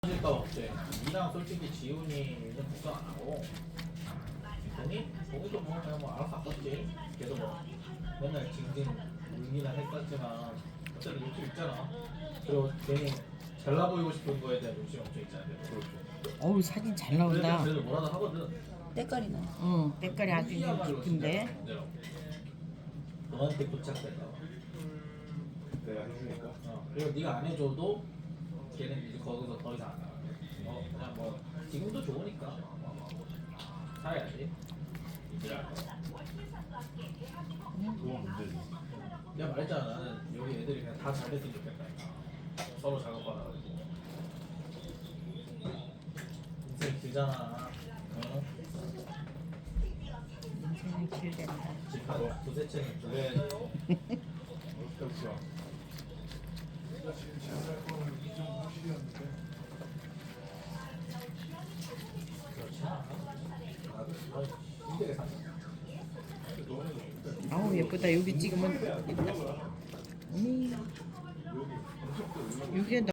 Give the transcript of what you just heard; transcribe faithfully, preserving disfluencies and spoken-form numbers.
질까 없지. 니랑 솔직히 지훈이는 걱정 안 하고 동이? 동이도 뭐 그냥 뭐 알아서 아팠지. 걔도 뭐 맨날 징징 울기는 했었지만 어차피 욕심 있잖아. 그리고 괜히 잘나 보이고 싶은 거에 대한 욕심 엄청 있잖아. 그렇죠. 어우 사진 잘 그래도 나온다. 그래도 뭐라도 하거든. 때깔이 나. 응, 때깔이 아주 이야말로 진짜 깊은데. 문제라고. 너한테 부착된다. 내가 해주니까. 어. 그리고 네가 안 해줘도 걔는 이제 거기서 더 이상 안 나가. 어, 그냥 뭐 지금도 좋으니까 살아야지. 일할 거. 그건 문제지. 내가 말했잖아. 나는 여기 애들이 그냥 다 잘 됐으면 좋겠다. 서로 작업받아가지고. 인생 길잖아. 어? 인생은 길겠다. 집한 두세 채는 줄여야지. 그렇죠. 내가 지금 제안할 거는 이점 구십이었는데. 그렇지 않아? 나도 힘들게 산다. 아우 예쁘다. 여기 찍으면 예쁘다. 음, 여기에